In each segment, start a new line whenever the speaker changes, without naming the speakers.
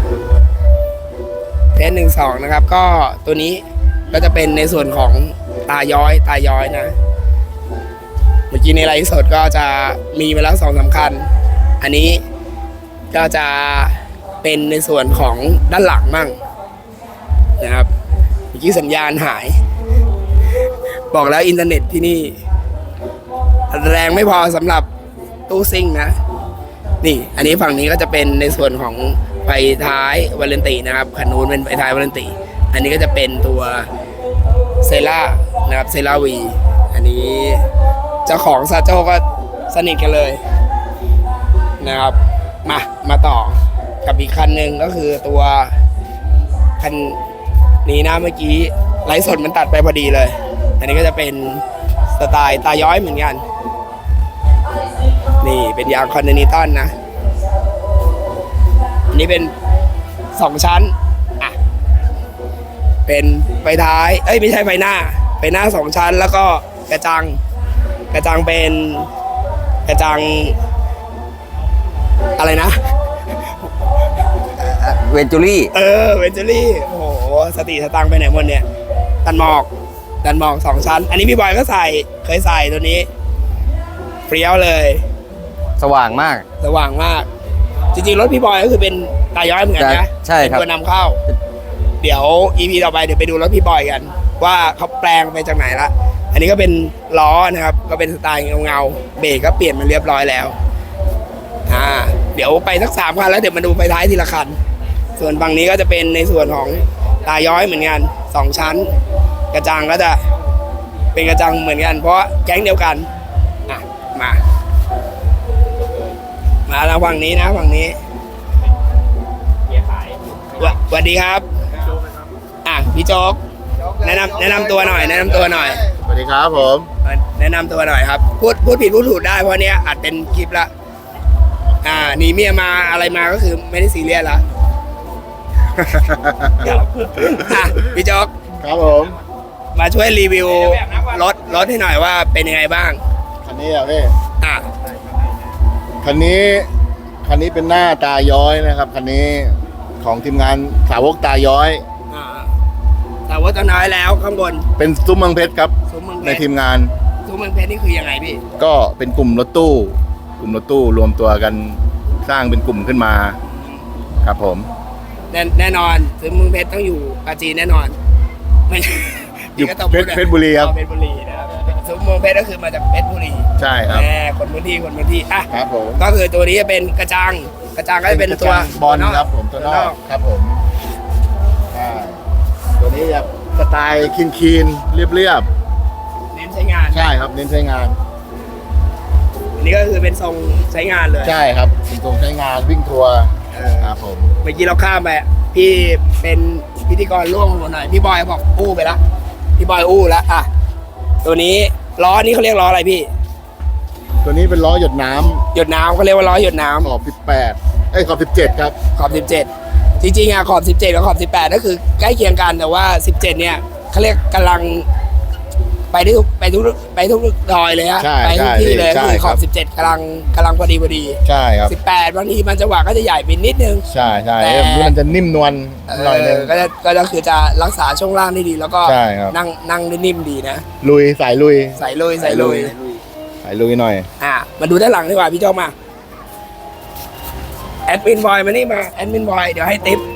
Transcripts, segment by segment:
เทส1-2นะครับก็ตัวนี้ก็จะเป็นในส่วนของตาย้อยนะเมื่อกี้ในไลฟ์สดก็จะมีมาแล้ว2-3 คันอันนี้ก็จะเป็นในส่วนของด้านหลังมั่งนะครับเมื่อกี้สัญญาณหายบอกแล้วอินเทอร์เน็ตที่นี่แรงไม่พอสำหรับตู้ซิ่งนะนี่อันนี้ฝั่งนี้ก็จะเป็นในส่วนของไฟท้ายวาเลนตินะครับคันนู้นเป็นไฟท้ายวาเลนติอันนี้ก็จะเป็นตัวเซล่านะครับเซล่าวีอันนี้เจ้าของซาโจก็สนิทกันเลยนะครับมาต่อกับอีกคันหนึ่งก็คือตัวคันนี้นะเมื่อกี้ไลฟ์สดมันตัดไปพอดีเลยอันนี้ก็จะเป็นสไตล์ตาย้อยเหมือนกันนี่เป็นยางคอนเทนิตัลนะอันนี้เป็น2 ชั้นอ่ะเป็นไฟท้ายไม่ใช่ไฟหน้า2 ชั้นแล้วก็กระจังเป็นกระจังอะไรนะ
เวนจูรี่
เวนจูรี่โอ้โหสติสตังไปไหนหมดเนี่ยดันหมอก2 ชั้นอันนี้พี่บอยก็เคยใส่ตัวนี้เปรี้ยวเลย
สว่างมาก
จริงๆรถพี่บอยก็คือเป็นตาย้อยเหมือนกันนะ
ใช่ครับ
เป็นตัวนำเข้าเดี๋ยว EP ต่อไปเดี๋ยวไปดูรถพี่บอยกันว่าเขาแปลงไปจากไหนละอันนี้ก็เป็นล้อนะครับก็เป็นสไตล์เงาเบรกก็เปลี่ยนมาเรียบร้อยแล้วเดี๋ยวไปสัก3 คันแล้วเดี๋ยวมาดูไฟท้ายทีละคันส่วนฝั่งนี้ก็จะเป็นในส่วนของตาย้อยเหมือนกัน2 ชั้นกระจังก็จะเป็นกระจังเหมือนกันเพราะแก๊งเดียวกันมาทางฝั่งนี้นะฝั่งนี้สวัสดีครับพี่โจ๊กแนะนำตัวหน่อย
สวัสดีครับผม
แนะนำตัวหน่อยครับพูดผิดพูดถูกได้เพราะเนี้ยอัดเป็นคลิปละหนีเมียมาอะไรมาก็คือไม่ได้ซีเรียสละพี่โจ๊ก
ครับผม
มาช่วยรีวิวรถให้หน่อยว่าเป็นยังไงบ้าง
คันนี้อ่ะพี่คันนี้เป็นหน้าตาย้อยนะครับคันนี้ของทีมงานสาวกตาย้อย
แต่ว่าตอนน้อยแล้วข้างบน
เป็นซุ้มเมืองเพชรครับในทีมงาน
ซุ้มเมืองเพชรนี่คือยังไงพี่
ก็เป็นกลุ่มรถตู้รวมตัวกันสร้างเป็นกลุ่มขึ้นมาครับผม
แน่นอนซุ้มเมืองเพชรต้องอยู่ปราจีนแน่นอนไม่
อยู่เพชรบุรีครับ
เพชรบุรีนะครับซุ้มเมืองเพชรก็คือมาจากเพชรบุรี
ใช่ครับ
คนพื้นที่
ครับผม
ก็คือตัวนี้จะเป็นกระจังก็จะเป็นตัว
บอลครับผมตัวนอกครับผมตัวนี้จะสไตล์คีนเรียบ
เน้นใช้งาน
ใช่ครับเน้นใช้งาน
อันนี้ก็คือเป็นทรงใช้งานเลย
ใช่ครับเป็นทรงใช้งานวิ่งทัวร์ครับผม
เมื่อกี้เราข้ามไปพี่เป็นพิธีกรร่วมหน่อยพี่บอยบอกอู้ไปละพี่บอยอู้แล้วตัวนี้ล้อนี้เขาเรียกล้ออะไรพี่
ตัวนี้เป็นล้อหยดน้ำ
เขาเรียกว่าล้อหยดน้ำ
ขอบ18ขอบ17ครับ
ขอบ17จริงๆขอบ17กับขอบ18ก็คือใกล้เคียงกันแต่ว่า17เนี่ยเขาเรียกกำลังไปทุกดอยเลยฮะไปทุกที่เลยคือขอบ17กำลังพอดี
ใช่ครับ
18บางทีมันจังหวะก็จะใหญ่ไปนิดนึง
ใช่แต่มันจะนิ่มนวลหน่อยนึง
ก็คือจะรักษาช่วงล่างได้ดีแล้วก็นั่งได้นิ่มดีนะ
สายลุยหน่อย
มาดูด้านหลังดีกว่าพี่โจ้มาแอดมินบอยมานี่มาแอดมินบอยเดี๋ยวให้ติ๊บ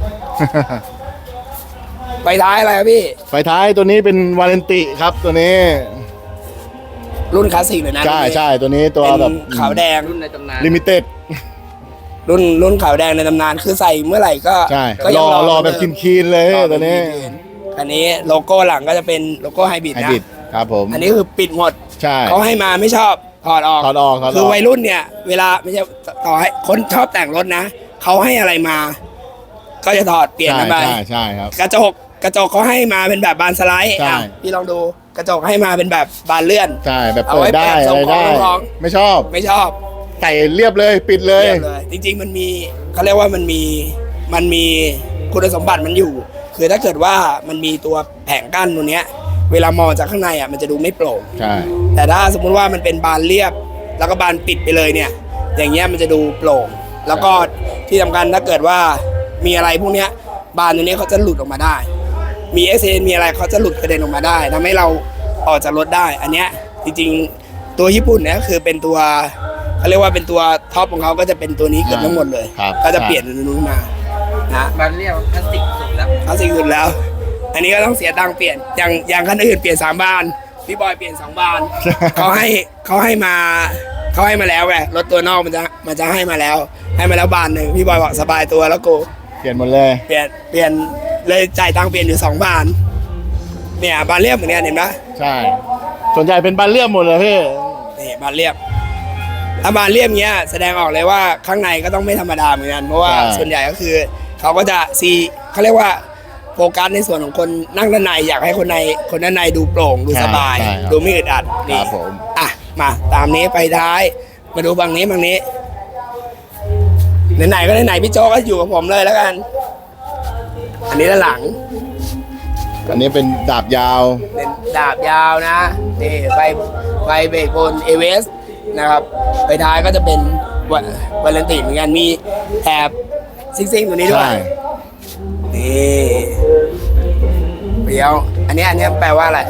ไฟท้ายอะไรครับพี่
ไฟท้ายตัวนี้เป็นวาเลนติครับตัวนี้
รุ่นคลาสสิกเลยนะ
ใช่ตัวนี้ตัวแบบ
ขาวแดง
รุ่นในตำนาน
ลิมิเต็ด
รุ่นขาวแดงในตำนานคือใส่เมื่อไหร่ก็
รอแบบคีนเลยตัวนี้
อันนี้โลโก้หลังก็จะเป็นโลโก้ไฮบริด
นะครับผม
อันนี้คือปิดหมด
ใช่
เขาให้มาไม่ชอบถอดออกคือวัยรุ่นเนี่ยเวลาไม่ใช่ต่อให้คนชอบแต่งรถนะเขาให้อะไรมาก็จะถอดเปลี่ยนไป
ใช่ครับ
กระจกเขาให้มาเป็นแบบบานสไลด์พี่ลองดูกระจกให้มาเป็นแบบบานเลื่อน
ใช่แบบเปิดได้อะไรได้ไม่ชอบใส่เรียบเลยปิดเลย
จริงๆมันมีเขาเรียกว่ามันมีคุณสมบัติมันอยู่คือถ้าเกิดว่ามันมีตัวแผงกั้นตัวเนี้ยเวลามองจากข้างในมันจะดูไม่โปร่ง
ใช่
แต่ถ้าสมมุติว่ามันเป็นบานเรียบแล้วก็บานปิดไปเลยเนี่ยอย่างเงี้ยมันจะดูโปร่งแล้วก็ที่สำคัญถ้าเกิดว่ามีอะไรพวกเนี้ยบานตัวเนี้ยเขาจะหลุดออกมาได้ มี SN มีอะไรเขาจะหลุดกระเด็นออกมาได้ทำให้เราออกจากรถได้ อันเนี้ยจริงๆตัวญี่ปุ่นเนี่ยคือเป็นตัวเขาเรียกว่าเป็นตัวท็อปของเขาก็จะเป็นตัวนี้เกือบทั้งหมดเลย
ครับ
ก็จะเปลี่ยนตัวนู้นมานะ
มันเรียกพลาสติกสุดแล้ว
เอาสิ่งอื่นแล้ว อันนี้ก็ต้องเสียตังค์เปลี่ยนอย่างคันอื่นเปลี่ยน3 บานพี่บอยเปลี่ยน2 บาน เขาให้มาแล้วไงรถตัวนอกมันจะให้มาแล้วบานหนึ่งพี่บอยบอกสบายตัวแล้วกู
เปลี่ยนหมดเลย
เปลี่ยนเลยจ่ายตังค์เปลี่ยนอยู่2 บานเนี่ยบานเรียบเหมือนกันเห็นไหม
ใช่ส่วนใหญ่เป็นบานเลื่อมหมดเลยพี่
นี่บานเรียบถ้าบานเรียบเงี้ยแสดงออกเลยว่าข้างในก็ต้องไม่ธรรมดาเหมือนกันเพราะว่าส่วนใหญ่ก็คือเขาก็จะเขาเรียกว่าโฟกัสในส่วนของคนนั่งด้านในอยากให้คนด้านในดูโปร่งดูสบาย
ใช่ครับ
ดูไม่อึดอัด
ค
นี่
รับผม
อ่ะมาตามนี้ไปท้ายมาดูบางนี้ไหนๆก็ไหนๆพี่โจก็อยู่กับผมเลยแล้วกัน อันนี้ด้านหลัง
อันนี้เป็นดาบยาว
เป็นดาบยาวนะนี่ไฟเบรกบนเอเวสนะครับไปท้ายก็จะเป็นวาเลนตินเหมือนกันมีแถบซิ่งๆตัวนี้ด้ว
ใช่
ยนี่เดี๋ยวอันนี้แปลว่าอะไร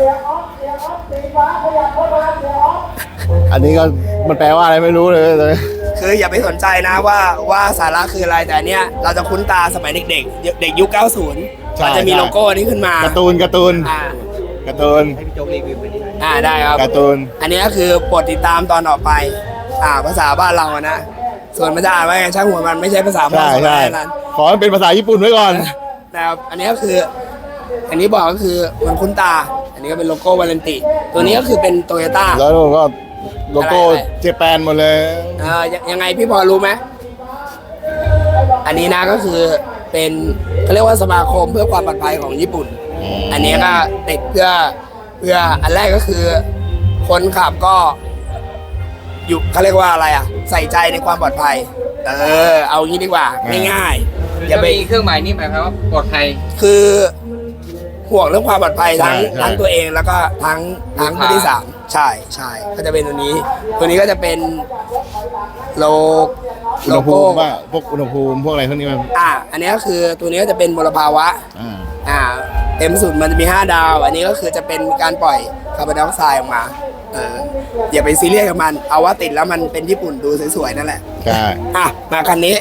อันนี้ก็มันแปลว่าอะไรไม่รู้เลยตอนนี้
คืออย่าไปสนใจนะว่าสาระคืออะไรแต่อันเนี้ยเราจะคุ้นตาสมัยเด็กๆเด็กยุค 90 มันจะมีโลโก้นี้ขึ้นมา
การ์ตูน
อ่า
ให้พี่โจ๊กรีวิวไปดิ
ได้ครับ
การ์ตูน
อันนี้ก็คือโปรดติดตามตอนต่อไปภาษาบ้านเราอะนะส่วนมันจะอ่านว่าไงช่างหัวมันไม่ใช่ภาษาบ้าน
ใช่
เรา
ใช่
แน่นอน
ขอให้เป็นภาษาญี่ปุ่นไว้ก่อน
นะครับอันนี้ก็คือ อันนี้บอกก็คือมันคุ้นตา อันนี้ก็เป็นโลโก้วาเลนติตัวนี้ก็คือเป็นโตโยต้า
แล้วก็โลโก้
อะไร
เจแปนหมดเลย
ยังไงพี่พอรู้ไหมอันนี้นะก็คือเป็นเขาเรียกว่าสมาคมเพื่อความปลอดภัยของญี่ปุ่น อันนี้ก็ติดเพื่ออันแรกก็คือ คนขับก็อยู่เขาเรียกว่าอะไรใส่ใจในความปลอดภัย เอางี้ดีกว่าง่ายๆอย่าไป
มีเครื่องหมายนี่หมายความว่าปลอดภัย
คือห่วงเรื่องความปลอดภัยทั้ง
ใช่
ทั้งตัวเองแล้วก็ทั้งผู้ที่สามใช่ก็จะเป็นตัวนี้ก็จะเป็นโล
อุณหภูมิว่าพวกอุณหภูมิพวกอะไรพวกนี้มัน
อันนี้ก็คือตัวนี้ก็จะเป็นมลภาวะ
อ่า
เต็มสุดมันจะมี5 ดาว อันนี้ก็คือจะเป็นการปล่อยคาร์บอนไดออกไซด์ออกมาอย่าไปซีเรียสกับมันเอาว่าติดแล้วมันเป็นญี่ปุ่นดูสวยๆนั่นแหละ
ใช่
มาคันนี้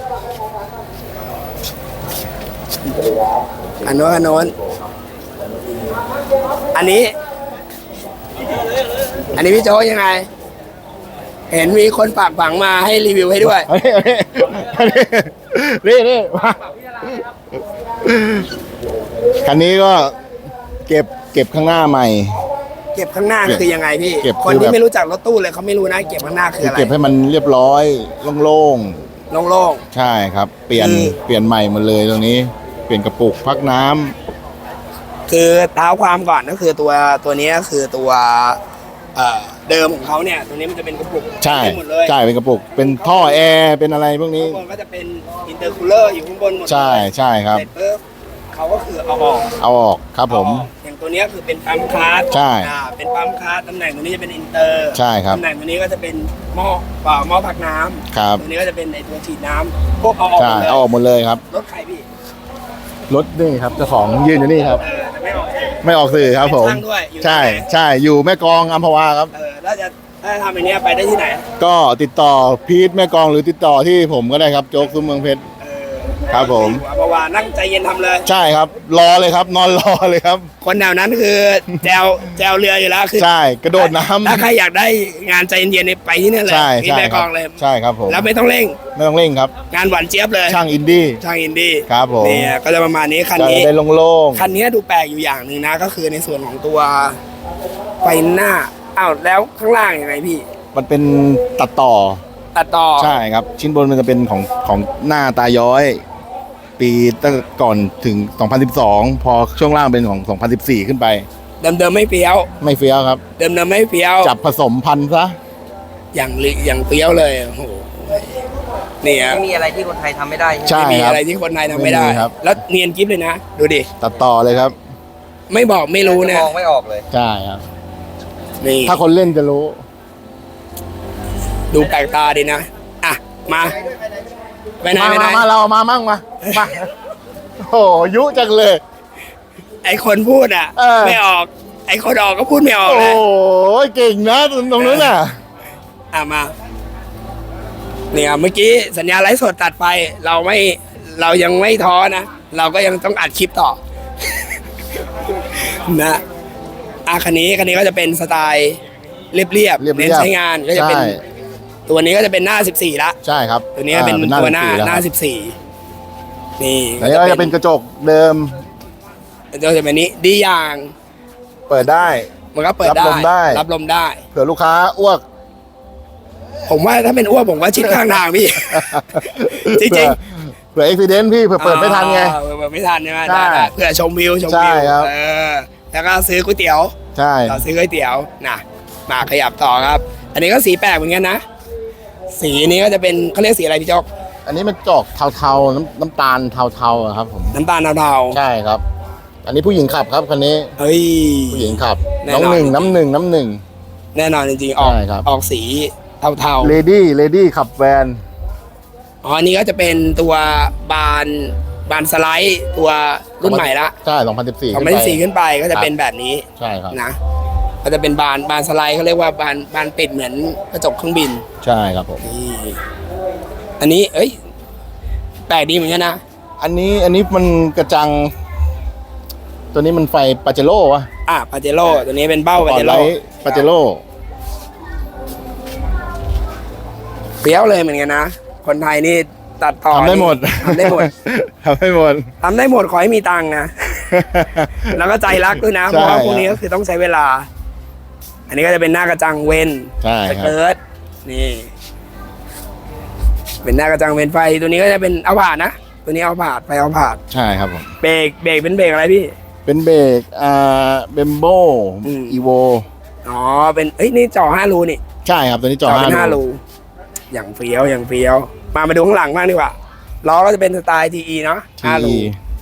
อันโน้นอันนี้พี่โจ้ยังไง เห็นมีคนฝากฝังมาให้รีวิวให้ด้วย
นี่มาคันนี้ก็เก็บข้างหน้าใหม่
เก็บข้างหน้าคือยังไงพี่
เก็บ
คน
คือ
ที่
แบบ
ไม่รู้จักรถตู้เลยเขาไม่รู้นะเก็บข้างหน้าคืออะไร
เก็บให้มันเรียบร้อยโล่ง
โล่ง
ๆใช่ครับ เปลี่ยน
คือ
เปลี่ยนใหม่หมดเลยตรงนี้ เปลี่ยนกระปุกพักน้ำ
ๆคือเท้าความก่อนก็คือตัวนี้ก็คือตัวเดิมของเขาเนี่ยตัวนี้มันจะเป็นกระปุก
ใช่
เต็มหมดเลย
ใช่เป็นกระปุก เป็นท่อแอร์เป็นอะไรพวกนี้
ข้างบนก็จะเป็นอินเตอร์คูลเลอร์อยู่ข้างบนหมดเลย
ใช่ครับ
เสร็จปุ๊บเขาก็คือเอาออก
เอาออกครับผม
อย่างตัวเนี้ยคือเป็นปั๊มคาร์ด
ใช่
เป็นปั๊มคาร์ดตำแหน่งตัวนี้จะเป็นอินเตอร์
ใช่ครับ
ตำแหน่งตัวนี้ก็จะเป็นหม้อพักน้ำ
ครับ
ตัวนี้ก็จะเป็นในตัวฉีดน้ำพวกเอาออก
ใช่
หมดเลย
เอาออกหมดเลยครับ
รถใครพี่
รถนี่ครับเจ้าของยืนอยู่นี่ครับ
แต่ไม่ออก
ไม่ออกสื่อครับผม
เป็นช่างด้วยอยู่
ใช่
ที่ไหน
ใช่อยู่แม่กลองอัมพวาครับ
ถ้าทำอย่างเนี้ยไปได้ที่ไหน
ก็ติดต่อพีทแม่กลองหรือติดต่อที่ผมก็ได้ครับโจ๊กซุ้มเมืองเพชร ครับผม
เมื่อวานนั่งใจเย็นทำเลย
ใช่ครับ รอเลยครับ นอนรอเลยครับ
คนแถวนั้นคือแจวเรืออยู่แล้วคือ
ใช่กระโดดน้ำ
ถ้าใครอยากได้งานใจเย็นๆเนี่ยไปที่นั่นเลย
ใช่
ที่
ใช่
แม่
ค
ก
รั
องเลย
ใช่ครับผม
แล้วไม่ต้องเร่ง
ไม่ต้องเร่งครับ
งานหวานเจี๊ยบเลย
ช่างอินดี้
ช่างอินดี้
ครับผม
เนี่ยก็จะประมาณนี้คัน
จะ
นี้
ได้โล่ง
คันนี้ดูแปลกอยู่อย่างหนึ่งนะ ก็คือในส่วนของตัวไฟหน้าแล้วข้างล่างยังไงพี่
ๆมันเป็นตัดต่อ
ตัดต่อ
ใช่ครับ ชิ้นบนมันจะเป็นของหน้าตาย้อย ปีตั้งก่อนถึง 2012 พอช่วงล่างเป็นของ 2014 ขึ้นไป
เดิมๆไม่เฟี้ยว
ไม่เฟี้ยวครับ
เดิมๆไม่เฟี้ยว
จับผสมพันธุ์ซะ
อย่างเฟี้ยวเลยโอ้โหเนี่ย
ไม่มีอะไรที่คนไทยทำไม่ได้ใช่ไหม
ใช่
ไม่มี
ครับ
อะไรที่คนไทยทำไม่ได้
ไม่มีครับ
แล้วเนียนกิฟเลยนะ ดูดิ
ตัดต่อเลยครับ
ไม่บอกไม่รู้นะ
มองไม่ออกเลย
ใช่ครับ
นี่
ถ้าคนเล่นจะรู้
ดูแปลกตาดีนะ มาไปไหน
มาเรามามั่งมาโอ้ยุจังเลย
ไอคนพูดอ่ะ ไม่ออก ไอคนออกก็พูดไม่ออก
โอ้
เลย
เก่งนะตรงนู้นน่ะ
มาเนี่ยเมื่อกี้สัญญาณไลฟ์สดตัดไป เรายังไม่ท้อนะ เราก็ยังต้องอัดคลิปต่อ นะคันนี้ก็จะเป็นสไตล์เรียบๆเน้นใช้งานก็จะเป็น
ใช่
ตัวนี้ก็จะเป็นหน้า 14ละ
ใช่ครับ
ตัวนี้ก็เป็นตัวหน้า
14
14นี่
แล้วก็จะเป็นกระจกเดิม
ก็จะเป็นนี้ดีอย่าง
เปิดได้
มันก็เปิด
รับลมได้
รับลมได้
เผื่อลูกค้าอ้วก
ผมว่าถ้าเป็นอ้วกผมว่าชิดข้างทางพี่ จริง
เผื่ออุบิเหตุพี่เผื่อเปิดไม่ทันไง
เปิดไม่ทันใช่ไหม
ใช่
ได้เพื่อชมวิว
ใช่ครับ
แล้วก็ซื้อก๋วยเตี๋ยว
ใช่
เราซื้อก๋วยเตี๋ยวนะมาขยับต่อครับ อันนี้ก็สีแปลกเหมือนกันนะ สีนี้ก็จะเป็นเขาเรียกสีอะไรพี่จ๊อก
อันนี้มันจอกเทาๆน้ำตาลเทาๆอะครับผม
น้ำตาลเทา
ใช่ครับ อันนี้ผู้หญิงขับครับคันนี้
ๆเฮ้ย
ผู้หญิงขับ
แน่น
น้
อ
อน งหนึ่งน้ำหนึ่ง
แน่นอนจริงๆออก
ใช่ครับ
ออกสีเทา
เลดี้ขับแวน
ๆอันนี้ก็จะเป็นตัวบานสไลด์ตัวรุ่นใหม่ละ
ใช่2014
2014ขึ้นไปก็จะเป็นแบบนี้
ใช่ครับ
นะก็จะเป็นบานสไลด์เขาเรียกว่าบานปิดเหมือนกระจกเครื่องบิน
ใช่ครับผม
นี่อันนี้แปลกดีเหมือนกันนะ
อันนี้มันกระจัง ตัวนี้มันไฟปาเจโร่วะ
ปาเจโร่ตัวนี้เป็นเบ้าปาเจโร่
ปาเจโร่
เปรี้ยวเลยเหมือนกันนะ คนไทยนี่ตัดต่อ
ทำได้หมด
ทำได้หมด
ทำได้หมด
ทำได้หมดขอให้มีตังค์นะ แล้วก็ใจรักด้วยนะ เพ
ใช่
ราะว่าพวกนี้ก็คือต้องใช้เวลา อันนี้ก็จะเป็นหน้ากระจังเวน
ใช่
ส
ครับ
เกิร์ตนี่ เป็นหน้ากระจังเวนไฟตัวนี้ก็จะเป็นเอาผาดนะ ตัวนี้เอาผาดไฟเอาผาด
ใช่ครับผม
เบรกเป็นเบรกอะไรพี่
เป็นเบรกเบมโบ
อืม
อีโว
อ๋อเป็นนี่จ่อ5 รูนี่
ใช่ครับตัวนี้จอ
เป็น
5
5 รูอย่างเฟี้ยวมาดูข้างหลังบ้างดีกว่าล้อก็จะเป็นสไตล์ TE เนาะ5 รู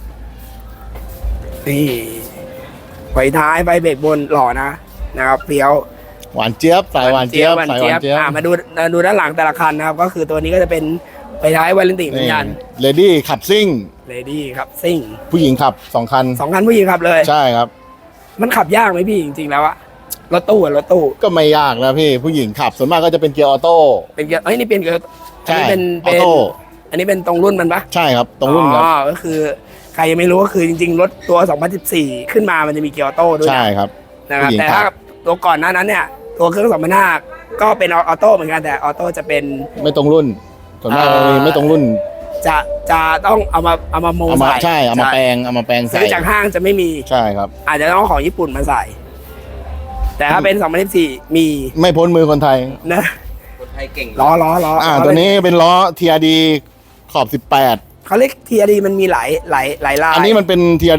นี่ไฟท้ายไฟเบรกบนหล่อนะครับเฟี้ยว
หวานเจี๊ยบสายหวานเจี๊ยบสายหวานเจี๊ยบ
มาดูด้านหลังแต่ละคันนะครับ ก็คือตัวนี้ก็จะเป็นไฟท้ายวาเลนติเหมือนกัน
เลดี้ขับซิ่ง
เลดี้ครับซิ่ง
ผู้หญิงขับ2 คัน
2 คันผู้หญิงขับเลย
ใช่ครับ
มันขับยากไหมพี่จริงๆแล้วอะรถตู้
ก็ไม่ยากนะพี่ผู้หญิงขับส่วนมากก็จะเป็นเกียร์ออโต้
เป็นเกียร์นี่เป็นเกียร์อั
ใช่
นนี้เป็น
ออโต้
อันนี้เป็นตรงรุ่นมันปะ
ใช่ครับตรงรุ่นครับ
ก็คือใครยังไม่รู้ก็คือจริงๆ รถตัว 2014 ขึ้นมามันจะมีเกียร์ออโต้ด้วย
ใช่ครับ
นะครับ
ผู้หญิง
แต่ถ้า
ขับ
ตัวก่อนหน้านั้นเนี่ย ตัวเครื่อง2005ก็เป็นออโต้เหมือนกันแต่ออโต้จะเป็น
ไม่ตรงรุ่นส่วนมากจะมีไม่ตรงรุ่น
จะต้องเอามาโม
เอามา
ใส่
ใช่เอามาแปลงใส่
ซื้อจากห้างจะไม่มี
ใช่ครับ
อาจจะต้องเอาของญี่ปุ่นมาใส่ แต่ถ้าเป็น 2014 มี
ไม่พ้นมือคนไทย
นะ
คนไทยเก่ง
ล้อ
ตัวนี้เป็นล้อ TRD ขอบ
เขาเรียก TRD มันมีหลายลาย
18อันนี้มันเป็น TRD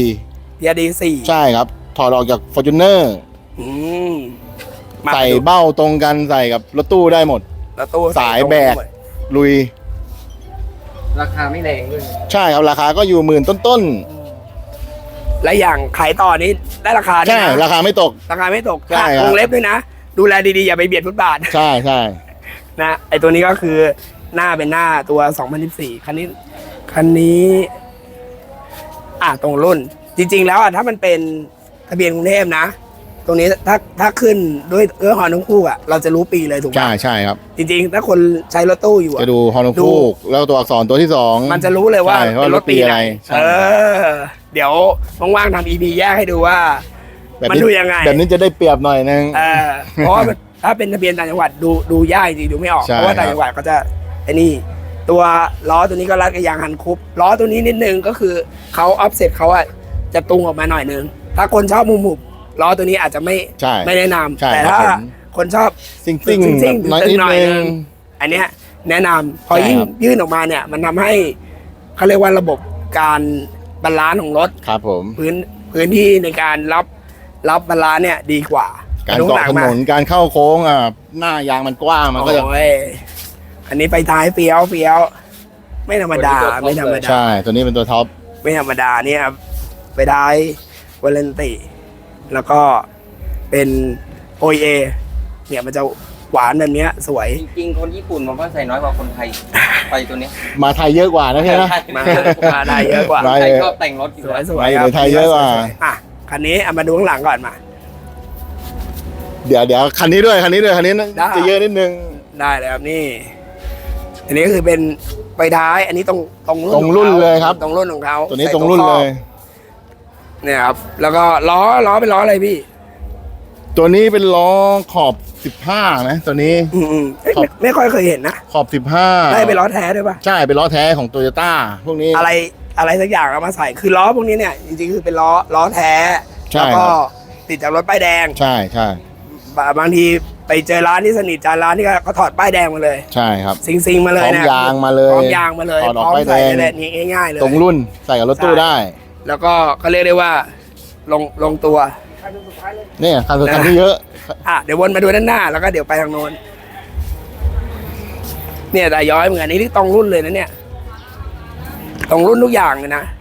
TRD 4
4ใช่ครับถอดออกจาก Fortuner
อืมมา
ใส่
ดู
เบ้าตรงกันใส่กับรถตู้ได้หมด
แล้วตู้
สายแบก ลุย
ราคาไม่แรงด้วย
ใช่ครับราคาก็อยู่หมื่นต้น
และอย่างขายต่อนี้ได้ราคา
ๆ
ด้วย
ใช่
นะ
ราคาไม่ตก
ราคาไม่ตก
ใช่ครับ
วงเล็บด้วยนะ ดูแลดีๆ อย่าไปเบียดฟุตบาท
ใช่ใช่
นะไอตัวนี้ก็คือหน้าเป็นหน้าตัว 2014 คันนี้ตรงรุ่น จริงๆแล้วถ้ามันเป็นทะเบียนกรุงเทพนะ ตรงนี้ถ้าขึ้นด้วยฮอนทั้งคู่เราจะรู้ปีเลยถูกไหม
ใช่ครับ
จริงๆ ถ้าคนใช้รถตู้อยู่
จะดูฮอนฟูกแล้วตัวอักษรตัวที่2
มันจะรู้เลยว่า
ใช่
เป็นรถปีไหน
ใช่
เดี๋ยวว่างๆทำ EP แยกให้ดูว่า มันดูยังไง
แบบนี้จะได้เปรียบหน่อยนึง
เพราะว่าถ้าเป็นทะเบียนต่างจังหวัดดูยากจริงๆดูไม่ออก
ใช่
เพราะว่าต่างจังหวัดก็จะไอ้นี่ตัวล้อตัวนี้ก็รัดกับยางฮันคุปล้อตัวนี้นิดนึงก็คือเขาออฟเซ็ตเขาจะตุงออกมาหน่อยนึงถ้าคนชอบมุมหุบล้อตัวนี้อาจจะไม่
ใช่
แนะนำ
ใช่
แต่
ครับ
ถ้า
ผม
คนชอบ
ซิ่ง
ซิ่ง
น้อยนิด
หน่อย
นึ
นึ
ง
งอันเนี้ยแนะนำพอ
ใช่
ยิ่ง
ครับ
ยื่นออกมาเนี่ยมันทำให้เขาเรียกว่าระบบการบาลานซ์ของรถ
ครับผม
พื้นที่ในการรับบาลานซ์เนี่ยดีกว่า
การ
ดู
เกาะ
หลัง
ถ
ม
นนการเข้าโค้งหน้ายางมันกว้างมันก็จะ
โอ้ยอันนี้ไปท้ายเฟี้ยวไม่ธรรมดา
ใช่ตัวนี้เป็นตัวท็อป
ไม่ธรรมดาเนี่ยครับไปท้ายวาเลนติ แล้วก็เป็น OEA เนี่ยมันจะหวานแบบเนี้ยสวย
จริงๆคนญี่ปุ่นผมว่าใส่น้อยกว่าคนไทยไฟตัวเนี้ย
มาไทยเยอะกว่านะพี่นะ
มาได้เยอะกว่า
มา
ไทยชอบแต่งรถอยู่
สวย
แล้ว
สวย
ไม่
ครับ
ไทยเยอะกว่า
สวยๆอ่ะคันนี้เอามาดูข้างหลังก่อนมา
เดี๋ยวคันนี้ด้วยคันนี้
ได้
จะเยอะนิดนึง
ได้เลยครับนี่ อันนี้ก็คือเป็นไฟท้ายอันนี้ตรง
ตรง
ของ
รุ่น
ขา
เลยครับ
ตรงรุ่นของเขา
ตัวนี้
ใส่
ตรงรุ่นเลย
เนี่ยครับแล้วก็ล้อเป็นล้ออะไรพี่
ตัวนี้เป็นล้อขอบ 15นะตัวนี้
เอ้ย
ขอบ
ไม่ค่อยเคยเห็นนะ
ขอบ 15
ได้เป็นล้อแท้ด้วยป่ะ
ใช่เป็นล้อแท้ของโตโยต้าพวกนี้
อะไรสักอย่างเอามาใส่คือล้อพวกนี้เนี่ยจริงๆคือเป็นล้อแท้
ใช่
แล้วก็
ครับ
ติดจากรถป้ายแดง
ใช่ใช่
บางทีไปเจอร้านที่สนิทจานร้านที่เขาถอดป้ายแดงมาเลย
ใช่ครับ
ซิงมาเลย
พร้อม
นะ
ยางมาเลย
พร้อมยางมาเลย
ถอดออก
พร้อม
ป้ายแด
ใส่
ง
เลยนี่ง่ายๆเลย
ตรงรุ่นใส่กับรถตู้
ใช่
ได้
แล้วก็เขาเรียกได้ว่าลงตัว
เนี่ยคันสุดท้ายที่เยอะ
อ่ะเดี๋ยววนมาดูด้านหน้าแล้วก็เดี๋ยวไปทางโน้นเนี่ยแต่ย้อยเหมือนกันนี่ตรงรุ่นเลยนะเนี่ยตรงรุ่นทุกอย่างเลยนะ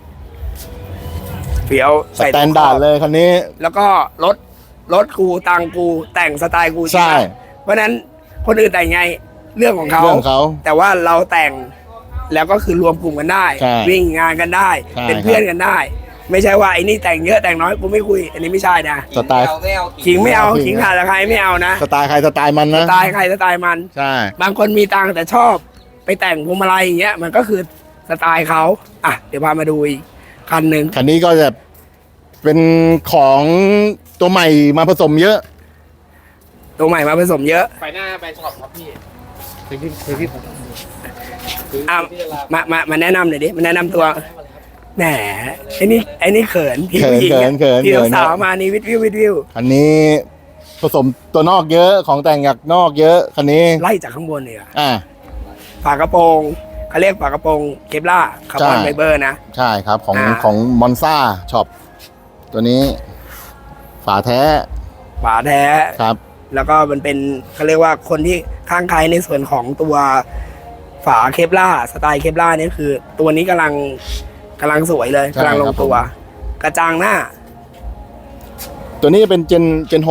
เฟี้ยว
สแตนดาร์ดเลยคันนี้
แล้วก็รถกูตังกูแต่งสไตล์กู
ใช่
ไหมเพราะฉะนั้นคนอื่นแต่งไงเรื่องของเขา
เรื่องของเขา
แต่ว่าเราแต่งแล้วก็คือรวมกลุ่มกันได้
ใช่
วิ่งงานกันได้
ใช่
เป็นเพื่อนกันได้ ไม่ใช่ว่าไอ้นี่แต่งเยอะแต่งน้อยกูไม่คุย อันนี้ไม่ใช่นะ
สไตล์
ขิงไม่เอาขิงขาดใครไม่เอานะ
สไตล์ใครสไตล์มัน
ส
นะ
ไตล์ใครสไตล์มัน
ใช่
บางคนมีตังค์แต่ชอบไปแต่งพวงมาลัยอย่างเงี้ยมันก็คือสไตล์เขาอ่ะเดี๋ยวพามาดูอีกคันหนึ่ง
คันนี้ก็จะเป็นของตัวใหม่มาผสมเยอะ
ตัวใหม่มาผสมเยอะ
ไปหน้าไปช็อปครับพี่
อ่ะมาแนะนำหน่อยดิมาแนะนำตัวแหมไอ้นี่เขินพี่ผู้หญิงอะ
เขิน
ที่สาวมานี่วิว
คันนี้ผสมตัวนอกเยอะของแต่งจากนอกเยอะคันนี้
ไล่จากข้างบนเลยอะ
อ่า
ฝากระโปรงเขาเรียกฝากระโปรงเคปล่าคาร์บอน
ใช่
ไฟเบอร์นะ
ใช่ครับของ
อ่า
ของมอนซ่าช็อปตัวนี้ ฝาแท้
ฝาแท้
ครับ
แล้วก็มันเป็นเขาเรียกว่าคนที่ข้างใครในส่วนของตัวฝาเคปล่าสไตล์เคปล่านี่คือ ตัวนี้กำลังสวยเลย
ใช่
กำลังล
ครั
ง
บ
ตัว กระจังหน้า
ตัวนี้เป็นเจน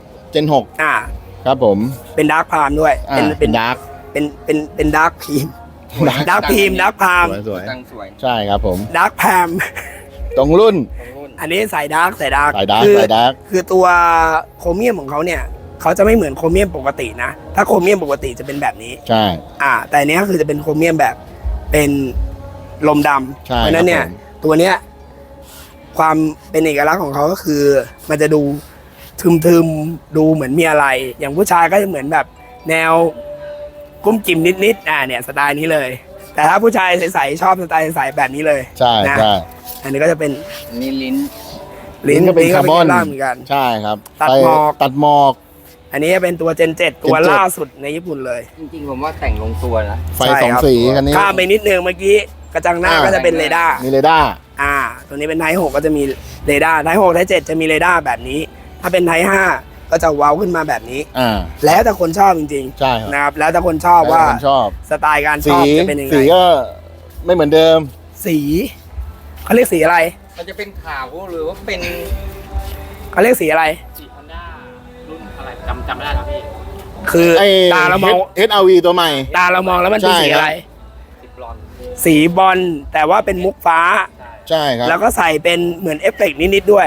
6
อ่า
ครับผม
เป็นดาร์คพามด้วย
อ่าเป็นดาร์ก
เป็นดาร์คพีมดาร์คพีมดาร์คพาม
สวย
ตังสวย
ใช่ครับผม
ดาร์คแพม
ตรงรุ่น
อันนี้ใส่ดาร์ก
สายดาร์ก
คือ
สายดาร์ก
คือตัวโครเมียมของเขาเนี่ยเขาจะไม่เหมือนโครเมียมปกตินะ ถ้าโครเมียมปกติจะเป็นแบบนี้
ใช่
แต่อันเนี้ยคือจะเป็นโครเมียมแบบเป็นลมดำ
ใช่
เพราะฉะนั้นเนี่ย
ครับผม
ตัวเนี้ยความเป็นเอกลักษณ์ของเขาก็คือ มันจะดูทึมๆดูเหมือนมีอะไร อย่างผู้ชายก็จะเหมือนแบบแนวกุ้มกิ่มนิดๆเนี่ยสไตล์นี้เลย แต่ถ้าผู้ชายใสๆชอบสไตล์ใสๆแบบนี้เลย
ใช่
นะ
ใช่
อันนี้ก็จะเป็น
นี่ลิ้น
ลิ้น
ก็เป็นคาร์บอน
ลิ้นก็เป็นเคปล่าเหมือนกัน
ใช่ครับ
ตัดหมอก
ตัดหมอก
อันนี้เป็นตัว Gen 7 ตัว
Gen 7
ล่าสุดในญี่ปุ่นเลย
จริงๆผมว่าแต่งลงตัวนะ
ไฟ
ใช่
สอง
ครับ
สีคันนี้
ข้ามไปนิดนึงเมื่อกี้กระจังหน้าก็จะเป็นเรดาร์
มีเรดาร์
ตัวนี้เป็นไทป์6ก็จะมีเรดาร์ไทป์6ไทป์7จะมีเรดาร์แบบนี้ ถ้าเป็นไทป์5ก็จะเว้าขึ้นมาแบบนี้ แล้วแต่คนชอบจริง
ใช่ครับ
ๆนะครับแล้วแต่คนชอบว่า
แล้วแต่คนชอบ
สไตล์การช
สี
อบจะเป็นยังไง
สีก็ไม่เหมือนเดิม
สีเขาเรียกสีอะไร
มันจะเป็นขาวหรือว่าเป็น
เขาเรียกสีอะไร
สีฮอนด้ารุ่นอะไรจำไม่ได้ครับพี่
คือ
ไอ้
ตาเรามอง
HRV ตัวใหม่
ตาเรามองแล้วมันเป็น
ใช่
สีอะไร
สีบลอนด์
สีบอลแต่ว่าเป็นมุกฟ้า
ใช่ครับ
แล้วก็ใส่เป็นเหมือนเอฟเฟกต์นิดๆด้วย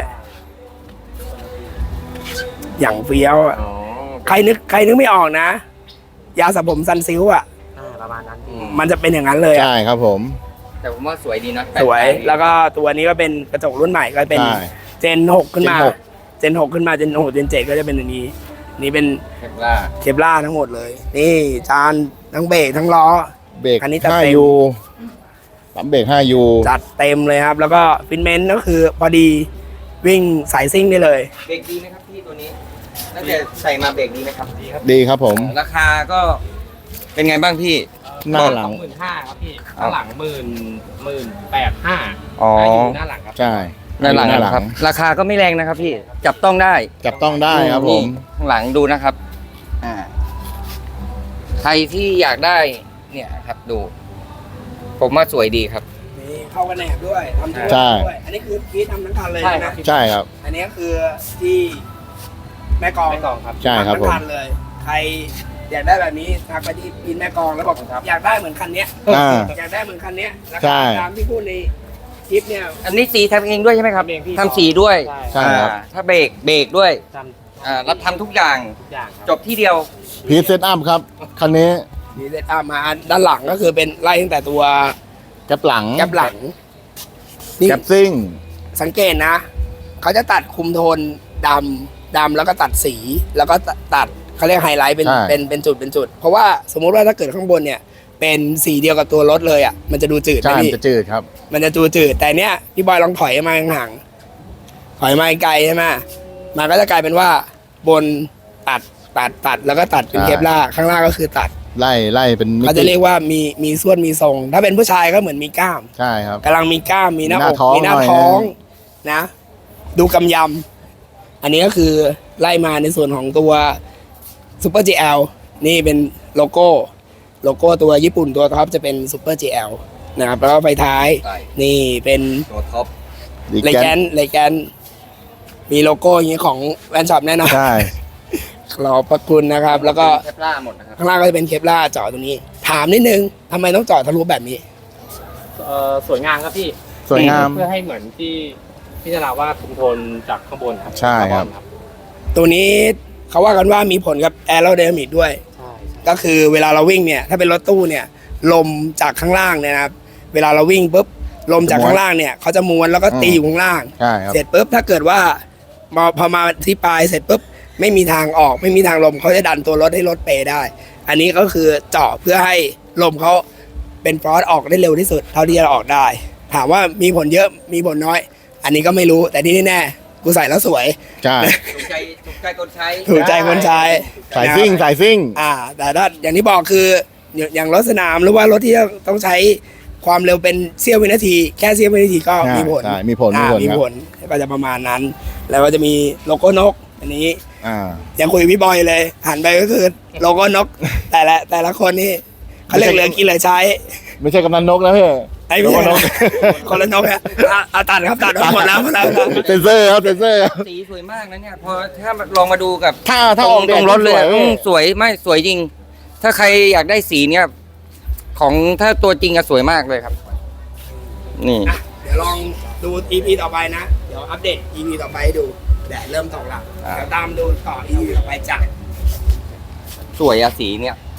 อย่างเฟี้ยวอะ
อ๋อ
ใครนึกไม่ออกนะ ยาสระผมซันซิลอ่ะ
ประมาณนั้นพี่
มันจะเป็นอย่างนั้นเลยอะ
ใช่ครับผม
แต่ผมว่าสวยดีนะ
สวย
แปลกๆ
แล้วก็ตัวนี้ก็เป็นกระจกรุ่นใหม่ก็เป็น
ใช่
เจน 6 ขึ้นมา
Gen 6
เจน 6 ขึ้นมาเจน6เจน 7 ก็จะเป็นอันนี้ นี่เป็น
เคปล่า
เคปล่าทั้งหมดเลย นี่จานทั้งเบรกทั้งล้อ
เบรก
คันนี้จัดเต็ม
5U ปั๊มเบรก 5U
จัดเต็มเลยครับ แล้วก็ฟินเมนต์ก็คือพอดีวิ่งสายซิ่งได้เลย
เบรกดีไหมครับพี่ตัวนี้ตั้งแต่ใส่มาเบรกดีไหมครับดีครับ
ดีครับผม
ราคาก็เป็นไงบ้างพี่
หน้าหลัง
25,000ครับพี่ข้างหลัง18,500
อ๋อ
อยู่หน้าหลังครับ
ใช่
ด้านหลังครับ ราคาก็ไม่แรงนะครับพี่ จับต้องได้
จับต้องได้ครับผม
นี่ข้างหลังดูนะครับ ใครที่อยากได้ เนี่ยครับดู ผมว่าสวยดีครับ
นี่เข้ากันแหนบด้วยทำตัว
ใช่
ด้วยอันนี้คือพีททำทั้งคันเลย
ใช่
นะครับ
ใช่ครับ
อันนี้คือที่แม่กลอง
ไม่กล่องครับ
ใช่ครับ
ทำ
ผ
ทั้
ม
งคันเลยใครอยากได้แบบนี้ทักไปที่พินแม่กองแล้วบอกอยากได้เหมือนคันเนี้ย
อ่า
อยากได้เหมือนคันเนี้ยรา
ใช่
คาตามที่พูดในคลิปเนี่ย
อันนี้สีทำเองด้วยใช่ไหมครับ
ทำเองพี่
ทำสีด้วย
ใช่ครับ
ถ้าเบรกด้วย
จำ
รับทำทุกอย่าง
ทุกอย่างครับ
จบที่เดียว
พีเซตอัพครับ คันนี้
มีเซตอัพมาด้านหลังก็คือเป็นไล่ตั้งแต่ตัว
แก๊ปหลัง
แก๊ปหลังนี่
แก๊ปซิ่ง
สังเกตนะ เขาจะตัดคุมโทนดำแล้วก็ตัดสี แล้วก็ตัดเขาเรียกไฮไลท์เป็น
ใช่
เป็นจุด เพราะว่าสมมุติว่าถ้าเกิดข้างบนเนี่ย เป็นสีเดียวกับตัวรถเลยอ่ะมันจะดูจืด
ใช่
นะ
มัน
พี่
จะจืดครับ
มันจะดูจืดแต่เนี้ยพี่บอยลองถอยมาห่างๆถอยมาไกลใช่ไหมมันก็จะกลายเป็นว่าบนตัดแล้วก็ตัดเป็น
ใช่
เคปล่าร์ข้างล่างก็คือตัด
ไล่เป็นมิ
เขา
ติ
จะเรียกว่ามีส่วนมีทรง ถ้าเป็นผู้ชายก็เหมือนมีกล้าม
ใช่ครับ
กำลังมีกล้ามมีหน้าอก
มี
มี
ห
ห
น้า
น้า
ท้
ท้
อ
อง งนะ ดูกำยำอันนี้ก็คือไล่มาในส่วนของตัวซูเปอร์ GL นี่เป็นโลโก้ตัวญี่ปุ่นตัวท็อปจะเป็นซูเปอร์ GL นะครับแล้วก็ไฟท้าย
ใช่
นี่เป็น
ตัวท็อป
ดี
เล
แก
แก
น
นมีโลโก้อย่างนี้ของแวนช็อปแน่นอน
ใช่
ขอบพระคุณนะครับ แล้วก็
เทปล่าหมดนะครับ
ข้างล่างก็จะเป็นเคปล่าร์เจาะตรงนี้ ถามนิดนึงทำไมต้องเจาะทะลุแบบนี้
สวยงามครับพี่
สวยงาม
เพื่อให้เหมือนที่พี่จะเล่าว่าคุมโทนจากข้างบนครับ
ใช่ครับ
ตัวนี้เขาว่ากันว่ามีผลกับแอโรไดนามิกด้วย
ใช่
ก็คือเวลาเราวิ่งเนี่ย ถ้าเป็นรถตู้เนี่ย ลมจากข้างล่างเนี่ยนะครับ เวลาเราวิ่งปุ๊บ ลมจากข้างล่างเนี่ยเขาจะม้วนแล้วก็ตีอยู่ข้างล่าง
ใช่ครับ
เสร็จปุ๊บถ้าเกิดว่าพอมาที่ปลายเสร็จปุ๊บไม่มีทางออกไม่มีทางลมเขาจะดันตัวรถให้รถเปได้ อันนี้ก็คือเจาะเพื่อให้ลมเขาเป็นฟรอสออกได้เร็วที่สุดเท่าที่จะออกได้ ถามว่ามีผลเยอะมีผลน้อย อันนี้ก็ไม่รู้แต่ที่แน่ๆกูใส่แล้วสวย
ใช่
ถูกใจคนใช้
ถูกใจคนใช้
สายซิ่ง
นะครับ
สายซิ่ง
แต่ถ้าอย่างที่บอกคืออย่างรถสนามหรือว่ารถที่ต้องใช้ความเร็วเป็นเสี้ยววินาที แค่เสี้ยววินาทีก็มีผล
ใช่มีผล
มี
ครับ
ผลก็จะประมาณนั้น แล้วก็จะมีโลโก้นก อันนี้
อ่า
ยังคุยกับพี่บอยเลยหันไปก็คือโลโก้นก แต่ละคนนี่เขาเรียกเหลือกินเหลือใช้
ไม่ใช่กำนันนกนะพี่
ไอ้
โล
ไม่
โก้
ใช่
นก
คนละนกอะเอาตัดครับตัดหมดแล้ว
เซนเซอร์ครับเซนเซอร์ครับ
สีสวยมากนะเนี่ย พอถ้าลองมาดูกับ
ถ้าออก
ตรงรถเลย
สว
สวยไม่สวยจริง ถ้าใครอยากได้สีเนี่ย ของถ้าตัวจริงอะสวยมากเลยครับ นี่
อ่ะเดี๋ยวลองดู EP ต่อไปนะ เดี๋ยวอัปเดต EP ต่อไปให้ดูแดดเริ่มตกแล้ว
อ่า
เดี๋ยวตามดูต่อ EP ต่อไปจ้ะ
สวยอะสีเนี่ย